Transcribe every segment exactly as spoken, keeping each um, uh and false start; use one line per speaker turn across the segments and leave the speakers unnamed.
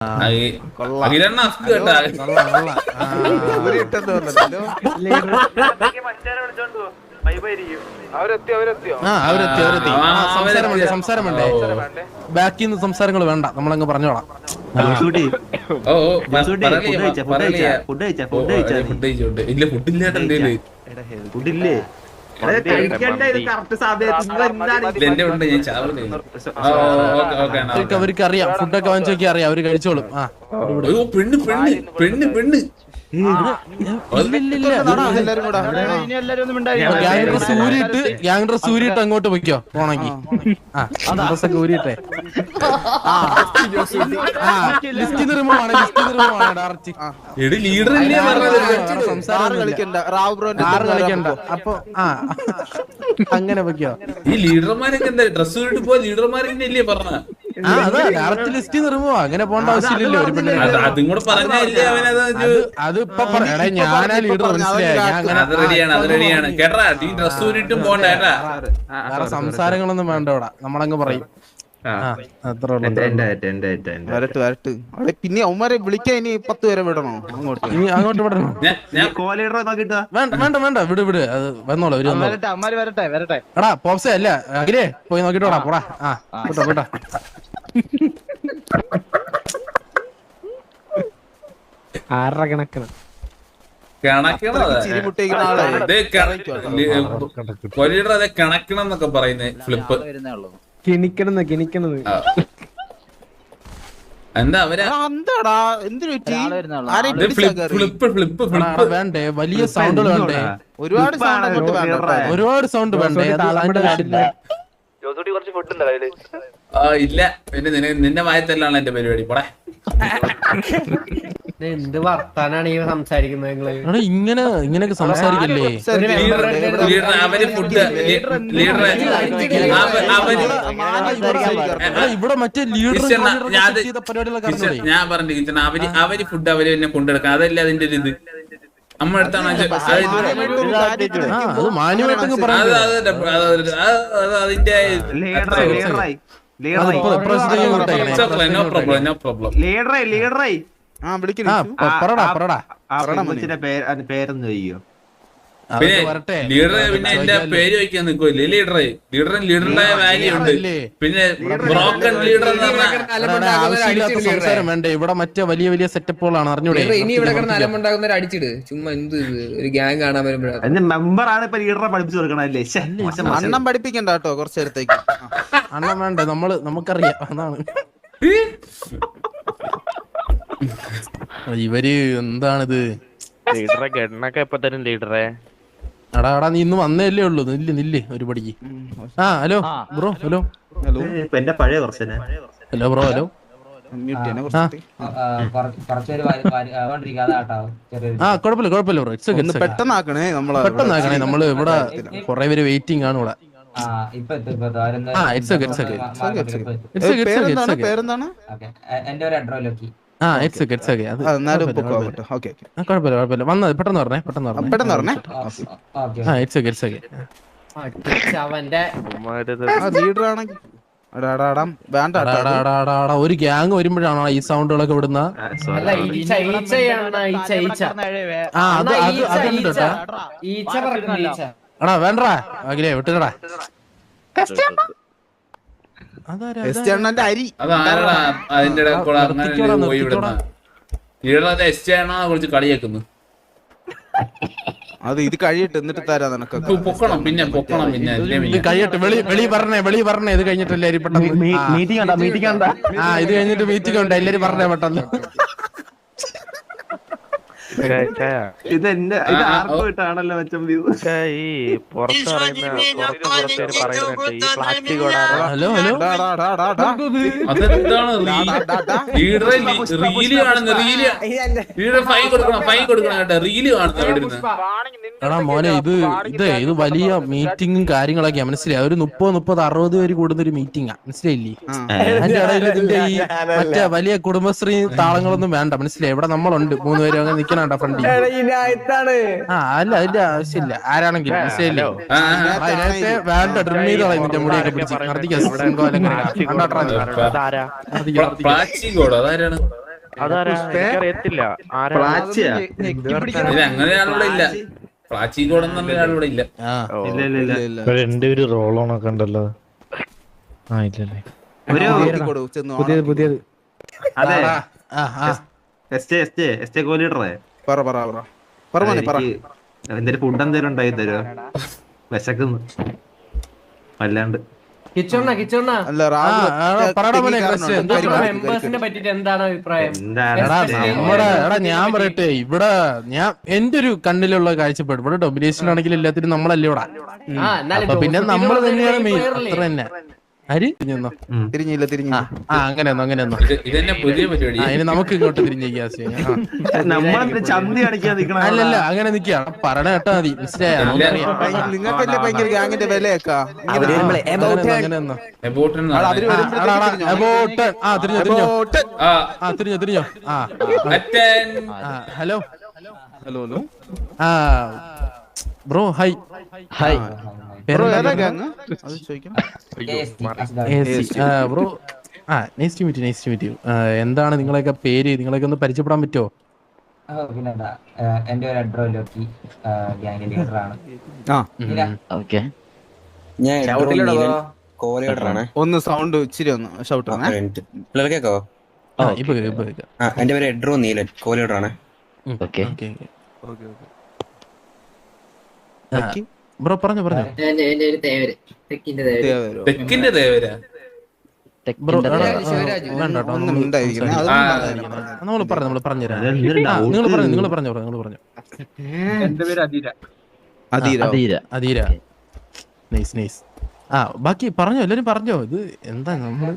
സംസാരം വേണ്ടേ? ബാക്കിൽ നിന്ന് സംസാരങ്ങൾ വേണ്ട, നമ്മളങ്ങ് പറഞ്ഞോളാം. അവർക്ക് അറിയാം, ഫുഡൊക്കെ വാങ്ങിച്ചു നോക്കി അറിയാം, അവര് കഴിച്ചോളും. ആ പെണ്ണ് പെണ്ണ് പെണ്ണ് പെണ്ണ് സൂര്യട്ട് ഗ്യാങ് സൂര്യട്ട് അങ്ങോട്ട് പൊയ്ക്കോ പോണെങ്കി. ആ ഡ്രസ്സൊക്കെ ഊരിട്ടെ. ലിസ്റ്റ് നിർമ്മാണ് ലിസ്റ്റ് നിർമ്മാണ് ഡയറക്റ്റ്. സംസാരം കളിക്കണ്ട അപ്പൊ. ആ അങ്ങനെ പൊയ്ക്കോ.
ഈ ലീഡർമാരൊക്കെ എന്താ ഡ്രസ് ഊരിട്ട് പോയ ലീഡർമാരല്ലേ പറഞ്ഞ?
ആ അതാ ഡയറക്റ്റ് ലിസ്റ്റ് നിർമ്മുവാ, അങ്ങനെ പോകേണ്ട ആവശ്യമില്ലല്ലോ. ഒരു പെണ്ണിനെ
അതും കൂടെ പറഞ്ഞല്ലേ അവനത്.
അത് ഇപ്പൊ ഞാനാ ലീഡർ, മനസ്സിലായി?
കേട്ടാ നീ ഡ്രസ് ഊരിട്ടും പോണ്ട കേട്ടാ.
വേറെ സംസാരങ്ങളൊന്നും വേണ്ട ഇവിടെ, നമ്മളങ്ങ് പറയും.
പിന്നെ അവന്മാരെ വിളിക്കാൻ ഇനി പത്ത് പേരെ വിടണോ? അങ്ങോട്ട്
ഇനി അങ്ങോട്ട് വിടണോ? വേണ്ട വേണ്ട വിട് വിട്, അത് വന്നോളൂ. എടാ പോപ്സേ അല്ല അഖിലേ, പോയി നോക്കിട്ടോടാ പോടാ. ആ വിട്ടോ വിട്ടോ. ആറര കണക്കിന്
കണക്കണം എന്നൊക്കെ പറയുന്നേ. ഫ്ലിപ്പ്
കിണിക്കണെന്ന് കിണിക്കണത്
എന്താ അവരാ
വേണ്ടേ? വലിയ സൗണ്ടുകൾ വേണ്ടേ?
ഒരുപാട്
ഒരുപാട് സൗണ്ട് വേണ്ടേ?
ആ ഇല്ല, പിന്നെ നിന്റെ വായത്തല്ലാണ് എന്റെ പരിപാടി. പോടെ
എന്ത് വർത്താനാണ് ഈ സംസാരിക്കുന്നത്?
ഇങ്ങനെ ഇങ്ങനെയൊക്കെ സംസാരിക്കല്ലേ?
അവര് ഫുഡ്
ഇവിടെ മറ്റേ ലീഡർ
ഞാൻ പറഞ്ഞു കിച്ചൺ, അവര് അവര് ഫുഡ് അവര് തന്നെ കൊണ്ടെടുക്കാം. അതല്ല അതിന്റെ ഒരു ഇത് നമ്മളെടുത്താണ്. അതിന്റെ നോ പ്രോബ്ലം നോ പ്രോബ്ലം.
പേരെന്ന് ചോദിക്കോ?
പിന്നെ ലീഡർ പിന്നെ എന്റെ പേര് വയ്ക്കാൻ നിൽക്കുമല്ലേ ലീഡറെ? ലീഡറിന് ലീഡറിന്റെതായ വാല്യൂ ഉണ്ട്. പിന്നെ ബ്രോക്കൺ ലീഡർ എന്ന് പറഞ്ഞാൽ
സംസാരം വേണ്ടേ? ഇവിടെ മറ്റേ വലിയ വലിയ സെറ്റപ്പുകളാണ്, അറിഞ്ഞൂടെ?
ഇനി ഇവിടെ കിടന്ന് അലമുണ്ടാകുന്നവർ അടിച്ചിട്. ചുമ്മാ എന്ത് ഒരു ഗ്യാങ് കാണാൻ വരുമ്പോഴാണ്
മെമ്പറാണ് ഇപ്പൊ ലീഡറെ പഠിപ്പിച്ചു കൊടുക്കണല്ലേ?
അണ്ണം പഠിപ്പിക്കണ്ട കേട്ടോ കുറച്ചു നേരത്തേക്ക്.
അണ്ണം വേണ്ട, നമ്മള് നമുക്കറിയാം. അതാണ് ഇവര് എന്താണിത്?
ലീഡറെ ഗണ്ണൊക്കെ എപ്പോ തരും ലീഡറെ?
എടാ എടാ നീ ഇന്ന് വന്നേല്ലേ ഉള്ളൂ. നില്ല് നില്ല് ഒരു പടിക്ക്. ആ ഹലോ ബ്രോ. ഹലോ
എന്റെ പഴയ കുറച്ച്
ഹലോ ബ്രോ. ഹലോ ആ കുഴപ്പമില്ല കുഴപ്പമില്ല ബ്രോ. It's okay.
പെട്ടെന്നാക്കണേ നമ്മള്
പെട്ടെന്നാക്കണേ നമ്മള് ഇവിടെ കൊറേ പേര് വെയിറ്റിംഗ് ആണ് ഇവിടെ.
പേരെന്താണ്?
വന്നത് പെട്ടെന്ന് പറഞ്ഞേ പെട്ടെന്ന് പറഞ്ഞേ
പെട്ടെന്ന് പറഞ്ഞേ.
ഒരു ഗ്യാങ് വരുമ്പോഴാണോ ഈ സൗണ്ടുകളൊക്കെ വിടുന്ന? എടാ വേണ്ടടാ അഖിലേ വിട്ടുകടാ.
അരി
അതിന്റെ കുറിച്ച് കളിയാക്കുന്നു.
അത് ഇത് കഴിയട്ടെ എന്നിട്ട് തരാ നിനക്ക്.
പൊക്കണം പിന്നെ പൊക്കണം പിന്നെ
കഴിയട്ടെ. വെളി വെളി പറഞ്ഞേ വെളി പറഞ്ഞേ. ഇത് കഴിഞ്ഞിട്ടല്ലേ പെട്ടെന്ന്
മീറ്റിംഗ് ഉണ്ടോ? മീറ്റിംഗ് ഉണ്ടോ?
ആ ഇത് കഴിഞ്ഞിട്ട് മീറ്റിംഗ് ഉണ്ട്. എല്ലാരും പറഞ്ഞേ പെട്ടെന്ന്.
ഇത് എന്റെ ഇത് ആർക്കായിട്ടാണല്ലോ മച്ചം
ഈ പുറത്ത് പറയുന്ന ഈ പ്ലാസ്റ്റിക്
ഹലോ ഹലോ
അതെന്താണ് റീല് കാണുന്നത്? റീല് റീല് ഫൈൻ കൊടുക്കണം ഫൈൻ കൊടുക്കണം കേട്ടോ. റീല് കാണുന്നത്
എടാ മോനെ ഇത് ഇത് ഇത് വലിയ മീറ്റിങ്ങും കാര്യങ്ങളൊക്കെയാ, മനസ്സിലായി? ഒരു മുപ്പത് മുപ്പത് അറുപത് പേര് കൂടുന്ന ഒരു മീറ്റിംഗാ, മനസ്സിലായില്ലേ? അതിന്റെ ഇടയിൽ ഇതിന്റെ ഈ മറ്റേ വലിയ കുടുംബശ്രീ താളങ്ങളൊന്നും വേണ്ട, മനസ്സിലായി? ഇവിടെ നമ്മളുണ്ട് മൂന്ന് പേര് അങ്ങനെ നിക്കണ ഫ്രണ്ട്. ആ അല്ല അതിന്റെ ആവശ്യമില്ല ആരാണെങ്കിലും, മനസ്സിലായില്ലേ? അതിനകത്ത് വേണ്ട ഡ്രിം ചെയ്ത് കളയും നിന്റെ മുടിയൊക്കെ പിടിച്ച്.
അതാരാ എനിക്കറിയത്തില്ല ആരാ
പ്ലാച്ചിയാ
ഇത് അങ്ങനെ ആളിവിടെ ഇല്ല. പ്ലാച്ചിക്കോട് എന്നുള്ള ആളിവിടെ ഇല്ല.
ആ
ഇല്ല ഇല്ല ഇല്ല
ഇല്ല.
എന്റെ ഒരു റോളോണൊക്കെ ഉണ്ടല്ലോ. ആ ഇല്ലല്ലേ
ഒരു
നോക്കിക്കോളൂ, ചെന്ന്
പുതിയത് പുതിയത്
അതെ
ആ ആ
S J S J S J കോലീഡറേ
പറ പറ പറ പറ മോനെ, പറ.
എന്തേലും ഫുഡ് എന്തേലും ഉണ്ടായി തരുമോ? വിശക്കുന്നു വല്ലാണ്ട്.
കിച്ചോണ്ണ കിച്ചോണ്ണ
അല്ല
ആ, ആ, പറടാ മോനെ, ക്രിസ്റ്റ്യൻ, എന്താ
മെമ്പേഴ്സിനെ പറ്റിട്ട് എന്താണ് അഭിപ്രായം?
എന്താണ്
എടാ നമ്മുടെ എടാ ഞാൻ പറയട്ടെ, ഇവിടെ ഞാൻ എന്റെ ഒരു കണ്ണിലുള്ള കാഴ്ചപ്പാട് ഇവിടെ ഡൊമിനേഷൻ ആണെങ്കിൽ എല്ലാത്തിനും നമ്മളല്ലേ ഇവിടെ.
ആ, എന്നാലും
അപ്പൊ പിന്നെ
ഡോക്ടർ
നമ്മള്
ടീമിലുള്ള
തന്നെയാണ് മെയിൻ,
player അല്ലേ?
അത്ര തന്നെ. ആര് തിരിഞ്ഞോ?
തിരിഞ്ഞില്ല
ആ
തിരിഞ്ഞില്ല
ആ അങ്ങനെയൊന്നോ അങ്ങനെയൊന്നോ.
ഇത് ഇതന്നെ പുതിയ പരിപാടി.
ആ ഇനി നമുക്ക് ഇങ്ങോട്ട് തിരിഞ്ഞേക്കാ.
നമ്മളെന്താ ചന്തി അടിക്കാൻ നിക്കണ?
അല്ലല്ല അങ്ങനെ നിക്കാ, പറയണ കേട്ടാ മതി, മനസ്സിലായോ? നമുക്കറിയാം.
നിങ്ങൾക്കല്ലേ ഭയങ്കര ഗ്യാങ്ങിന്റെ വിലയൊക്കെ
അങ്ങനെയൊന്നോ.
About എന്ന്
അവര്
പറഞ്ഞാ.
വരുമ്പോഴത്തേക്ക്
അബോട്ട് ആ തിരിഞ്ഞോ തിരിഞ്ഞോ
ആ,
ആ തിരിഞ്ഞോ തിരിഞ്ഞോ ആ
attend.
ആ ഹലോ
ഹലോ ഹലോ
ആ ബ്രോ ഹായ് ഹായ്
ബ്രോ ഏതാ ഗ്യാങ് അത് ചോദിക്കാം.
ബ്രോ ആ nice to meet nice to meet you. എന്താണ് നിങ്ങളെയൊക്കെ പേര്, നിങ്ങളെയൊക്കെ ഒന്ന് പരിചയപ്പെടാൻ പറ്റുമോ?
പിന്നെന്താ, എന്റെ ഒരു അഡ്രോ ലോക്കി, ഗ്യാങ് ലീഡറാണ്.
ഓക്കെ
കോലീഡറാണ്.
ഒന്ന് സൗണ്ട് ഇച്ചിരി ഒന്ന് ഷൗട്ട് ആണ്.
കേക്കോ?
ഇപ്പൊ കേൾക്കാം, ഇപ്പൊ കേൾക്കാം.
എന്റെ പേര് എഡ്രോ നീലൻ, കോലീഡറാണ്.
ഓക്കെ ബ്രോ പറഞ്ഞോ പറഞ്ഞോ
തെക്കിന്റെ ദേവരാ.
ബ്രോ
ശിവരാജ്.
വേണ്ട കേട്ടോ,
ഒന്നും ഉണ്ടായിരിക്കണേ,
ആ,
അതൊന്നും പറയാതിരിക്കണേ.
നമ്മൾ പറഞ്ഞു നമ്മൾ പറഞ്ഞുതരാം.
അതെന്തൊരു
ആ,
doubt.
നിങ്ങൾ പറഞ്ഞു നിങ്ങൾ പറഞ്ഞു നിങ്ങൾ പറഞ്ഞു
അധീര
അധീര നൈസ് നൈസ്. ആ ബാക്കി പറഞ്ഞോ, എല്ലാരും പറഞ്ഞോ. ഇത് എന്താ നമ്മള്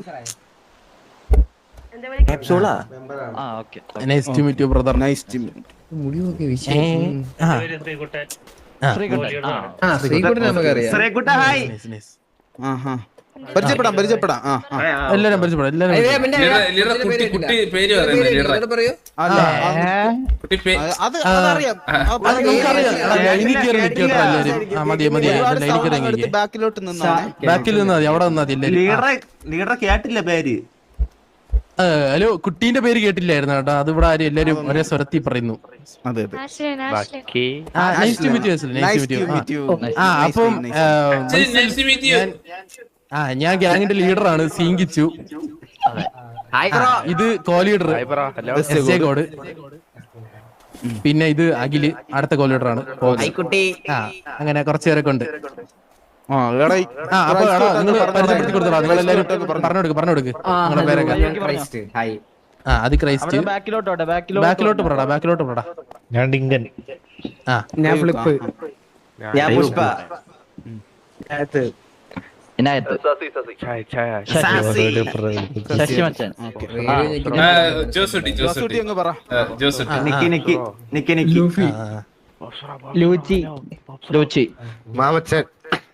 nice to meet you brother.
Nice team.
Sreekuttan നമുക്കറിയാം.
ശ്രീകുട്ട ഹായ്.
ആഹാ പരിചയപ്പെടാം പരിചയപ്പെടാം. ആ ആ.
എല്ലാരും പരിചയപ്പെടാം എല്ലാരും
അയ്യോ,
പരിചയപ്പെടാം.
പിന്നെ
ലീഡർ ലീഡർ കുട്ടി കുട്ടി പേര് പറയുന്നത് ലീഡർ
ലീഡർ പറയൂ.
അല്ല
കുട്ടി പേ
അത് അതറിയാം.
അത് നമുക്കറിയാം. എടാ, ലൈനിൽ കയറി നിൽക്കട്ടെ എല്ലാരും. ആ മതി മതി
ഒരുപാട്
ലൈനിൽ
sound
കയറി
എടുത്ത്
നിൽക്കുക.
ബാക്കിലോട്ട് നിന്നാണ്.
ബാക്കിൽ നിന്നാ മതി, അവിടെ നിന്നാ മതി എല്ലാരും.
ലീഡറെ ലീഡറെ കേട്ടില്ല പേര്.
ആ, ഹലോ കുട്ടീന്റെ പേര് കേട്ടില്ലായിരുന്നു കേട്ടോ. അത് ഇവിടെ ആരും എല്ലാരും ഒരേ സ്വരത്തിൽ പറയുന്നു.
അതെ അതെ.
ബാക്കി
ആ nice to meet you nice
Nice
to
to
meet
meet
you.
you.
ആ
Nice
അപ്പം
to meet you.
nice to meet you.
ആ ഞാൻ ഗ്യാങ്ങിന്റെ ലീഡറാണ് സീങ്കിച്ചു.
Hi bro.
ഇത് co leader
hi bro hello
S A code. പിന്നെ ഇത് അഖില് അടുത്ത കോ ലീഡറാണ്. ആ അങ്ങനെ കുറച്ചു പേരൊക്കെ ഉണ്ട്.
ആ എടാ ഈ
ആ അപ്പൊ എടാ നിങ്ങൾ പരിചയപ്പെടുത്തി കൊടുത്തോ. നിങ്ങൾ എല്ലാരും പറഞ്ഞു കൊടുക്ക് പറഞ്ഞു കൊടുക്ക് നിങ്ങളുടെ പേരൊക്കെ.
ഹായ്.
ആ അത് ക്രൈസ്റ്റ്. ബാക്കിലോട്ട് പറടാ ബാക്കിലോട്ട് പറടാ.
ഞാൻ ഡിങ്കൻ.
ആ
ഞാൻ ഫ്ലിപ്പ്.
ഞാൻ പുഷ്പ.
ചായ ചായ
ആ, ജോസുട്ടി
ജോസൂട്ടി
ജോസുട്ടി
അങ്ങ് പറ.
ആ, ജോസുട്ടി.
നിക്കി നിക്കി നിക്കി നിക്കി.
ലൂച്ചി ലൂച്ചി
മാമച്ചൻ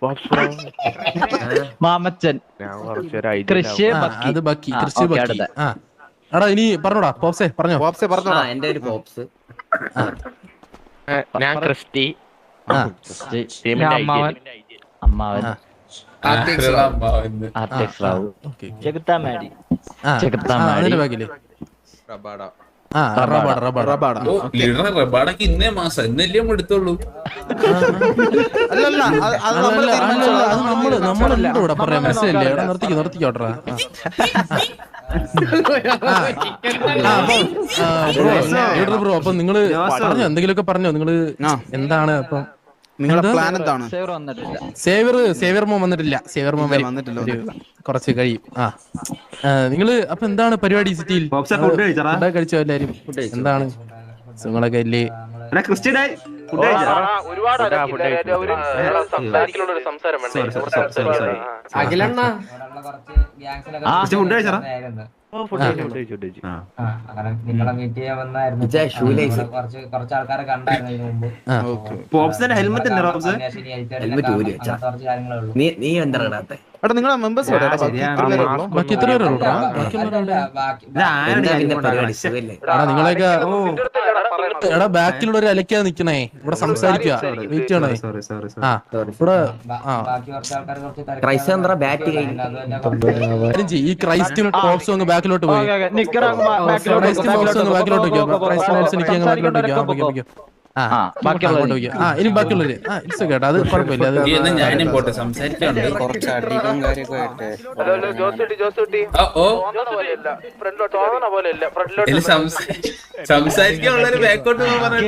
മാമച്ചൻ
ഞാൻ കുറച്ചൊരു
കൃഷി അത് ബാക്കി കൃഷി ബാക്കി. ആ എടാ ഇനി പറഞ്ഞോടാ പോപ്സേ പറഞ്ഞോ.
പോപ്സെ പറഞ്ഞോടാ.
എന്റെ ഒരു പോപ്സ്.
ഞാൻ ക്രിസ്റ്റി
ആ
ടീമിന്റെ
അമ്മാവൻ
അമ്മാവൻ
ഓക്കെ ആ അതിന്റെ ബാക്കില് ആ റബാഡ റബാഡ
റബാഡ.
ഓ ലീഡർ റബാടക്ക് ഇന്നേ മാസം ഇന്നല്ലേ നമ്മൾ എടുത്തോളൂ.
അല്ലല്ല അത് അത് നമ്മൾ
അല്ലല്ല അല്ലല്ല അത്
തീരുമാനിച്ചോളാം.
നമ്മള് നമ്മളല്ല ഇവിടെ പറയാൻ മനസ്സിലല്ലേ. എടാ നിർത്തിക്കോ നിർത്തിക്കോട്ടെ. ലീഡർ ബ്രോ അപ്പൊ നിങ്ങള് പറഞ്ഞോ എന്തെങ്കിലുമൊക്കെ പറഞ്ഞോ നിങ്ങള്
ആ.
എന്താണ് അപ്പം
നിങ്ങളുടെ പ്ലാൻ എന്താണ്?
സേവർ സേവർ മോൻ വന്നിട്ടില്ല. സേവർ മോൻ വരും.
വന്നിട്ടില്ല,
ഒരു കുറച്ച് കഴിയും. ആ നിങ്ങള് അപ്പൊ എന്താണ് പരിപാടി സിറ്റിയിൽ?
ബോക്സെ ഫുഡ് കഴിച്ചറാ?
ഫുഡ് കഴിച്ചോ എല്ലാരും? എന്താണ് സുഖങ്ങളൊക്കെ അല്ലേ?
എടാ ക്രിസ്ത്യൻ ഫുഡ് കഴിച്ചറാ?
അഖിലണ്ണ
ഫുഡ് കഴിച്ചറാ?
നിങ്ങളെ മീറ്റ് ചെയ്യാൻ വന്നായിരുന്നു. കുറച്ച് കുറച്ച് ആൾക്കാരെ കണ്ടായിരുന്നു ഇതിനു മുമ്പ്.
പോപ്സിന്റെ ഹെൽമെറ്റ് ഉണ്ട് റോബ്സ്.
കുറച്ച് കാര്യങ്ങളേ ഉള്ളൂ.
നീ എന്താ ഇടാത്തെ?
എടാ നിങ്ങളെ മെമ്പേഴ്സ്
ബാക്കി എത്ര പേരുള്ളൂ?
ബാക്കി
ഇത് ആരുടെ കാര്യം കൊണ്ടാണ്?
എടാ നിങ്ങളെയൊക്കെ എടാ ബാക്കിലുള്ള ഒരു അലക്കാതെ നിക്കണേ, ഇവിടെ സംസാരിക്കുക, വെയിറ്റ് ചെയ്യണേ.
സോറി സോറി
ആ ഇവിടെ ആ
ബാക്കി കുറച്ച് ആൾക്കാർ കുറച്ച്
കാര്യം ചെയ്യ്, ഈ ക്രൈസ്റ്റിന് ടോപ്സ് അങ്ങ് ബാക്കിലോട്ട് പോയി. ക്രൈസ്റ്റിൻ ബോക്സ് അങ്ങ് ബാക്കിലോട്ട് വെക്കോ. ക്രൈസ്റ്റിൻ ബോക്സ് എനിക്ക് അങ്ങ് ബാക്കിലോട്ട് വെക്കാം. Okay okay. ആ ബാക്കിയുള്ളത് വെക്കാം. ആ ഇനി ബാക്കിയുള്ളവര് ആ ഇറ്റ്സ് കേട്ടോ, അത് കുഴപ്പമില്ല. അത്
എന്നാ ഞാനും പോട്ടെ, സംസാരിക്കാനുണ്ട്. ഓ, ഓ. ഇല്ല, സംസാ- സംസാരിക്കാനുള്ളൊരു ബാക്കോട്ട്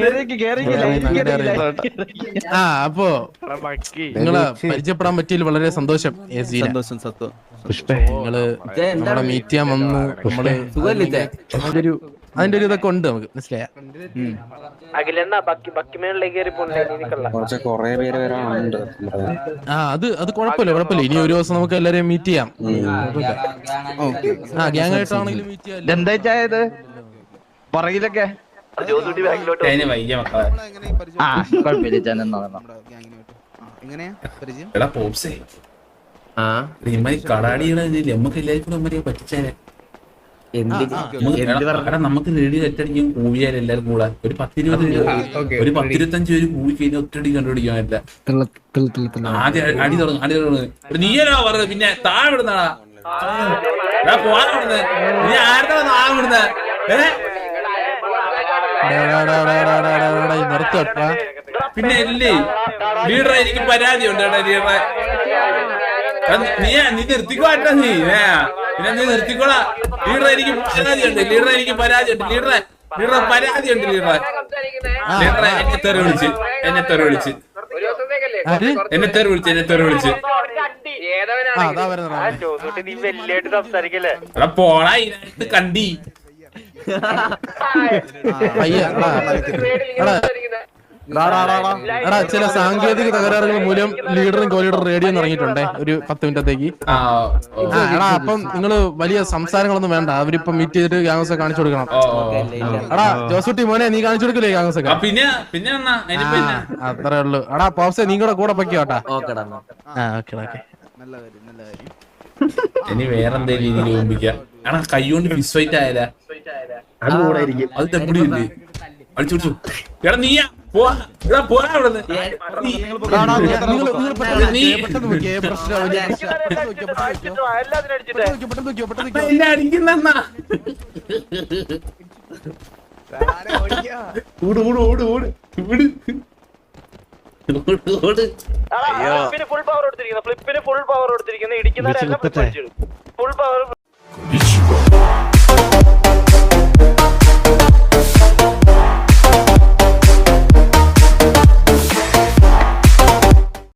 പറഞ്ഞിട്ട്.
ആ അപ്പോ നിങ്ങളെ പരിചയപ്പെടാൻ പറ്റിയതിൽ വളരെ സന്തോഷം.
സന്തോഷം സത്വം.
നിങ്ങള് നമ്മളെ മീറ്റ് ചെയ്യാൻ വന്നു. നമ്മള് അതിന്റെ ഒരു അതിന്റെ ഒരു ഇതൊക്കെ ഉണ്ട് നമുക്ക്, മനസ്സിലായ? ആ അത് അത് കുഴപ്പമില്ല കുഴപ്പമില്ല. ഇനി ഒരു ദിവസം നമുക്ക് എല്ലാരെയും മീറ്റ് ചെയ്യാം. ആ ഗ്യാങ് ആയിട്ടാണെങ്കിലും മീറ്റ് ചെയ്യാം.
എന്താ ചായത് പറയിലൊക്കെ
അതിന് വയ്യ മക്കളെ.
ആ കുഴപ്പമില്ല ചാൻ എന്നാ
എങ്ങനെയാ പരിചയം?
എടാ പോപ്സേ, ഇമ്മാരി കടാടികളെ നമുക്ക് എല്ലാവർക്കും കൂടെ പറ്റിച്ചേനെ. എടാ നമുക്ക് റേഡിയോ ഒറ്റടിക്കും കൂവിയാൽ എല്ലാരും കൂടാ ഒരു പത്തിരുപത് ഒരു പത്തിരുപത്തഞ്ച് പേര് കൂവി കഴിഞ്ഞാൽ ഒറ്റടി കണ്ടുപിടിക്കാൻ പറ്റില്ല. ആദ്യം അടി തുടങ്ങും അടി തുടങ്ങും. നീയല്ലോ പറഞ്ഞത്, പിന്നെ താഴെ വിടുന്നാടാ പോവാൻ വിടുന്നത്. നീ ആരുടെ താഴെ വിടുന്നത്?
നിർത്തോട്ടാ.
പിന്നെ ഇല്ലേ ലീഡറെ എനിക്ക് പരാതിയുണ്ട്. എടാ ലീഡറെ നീ നീ നിർത്തിക്കോട്ടെ. നീ പിന്നെ നീ നിർത്തിക്കോളാ. ലീഡറെ എനിക്ക് പരാതിയുണ്ട്. ലീഡറെ എനിക്ക് പരാതിയുണ്ട്. ലീഡറെ ലീഡറെ പരാതിയുണ്ട്. ലീഡറെ ലീഡറെ എന്നെ തെറി വിളിച്ച് എന്നെ തെറി വിളിച്ച് എന്നെ തെറി വിളിച്ച് എന്നെ തെറി വിളിച്ച് എടാ പോടാ ഇതിനകത്ത് കണ്ടി.
എടാ ചില സാങ്കേതിക തകരാറുകൾ മൂലം ലീഡറും കോ ലീഡറും റേഡിയോ ഇറങ്ങിയിട്ടുണ്ടേ ഒരു പത്ത് മിനിറ്റത്തേക്ക്. ആ എടാ അപ്പം നിങ്ങള് വലിയ സംസാരങ്ങളൊന്നും വേണ്ട. അവരിപ്പം മീറ്റ് ചെയ്തിട്ട് ഗ്യാങ്സ് ഒക്കെ കാണിച്ചു കൊടുക്കണം. എടാ ജോസൂട്ടി മോനെ നീ കാണിച്ചു കൊടുക്കില്ലേ ഗ്യാങ്സ് ഒക്കെ?
പിന്നെ പിന്നെ
അത്രേ ഉള്ളൂ. എടാ പോപ്സെ നീ കൂടെ കൂടെ പൊയ്ക്കോട്ടാ. ആ ഓക്കെ ഓക്കെ.
നല്ല കാര്യം നല്ല കാര്യം.
ഇനി വേറെന്തേലും രീതിയിൽ ഓർമ്മിക്കാം. ആണാ കൈ കൊണ്ട് ഫിസ് ഫൈറ്റ് ആയാലേ അത് തെപ്പിടിയില്ലേ അടിച്ചു പിടിച്ചു. എടാ നീയാ പോവാ പോരാ അവിടെ അടിക്കുന്ന ഓട് ഓട് ഓട് ഓട് ഇവിടെ
ഫുൾ പവർ കൊടുത്തിരിക്കുന്നു. ഫ്ലിപ്പിന് ഫുൾ പവർ കൊടുത്തിരിക്കുന്നു. ഇടിക്കുന്ന ഫുൾ പവർ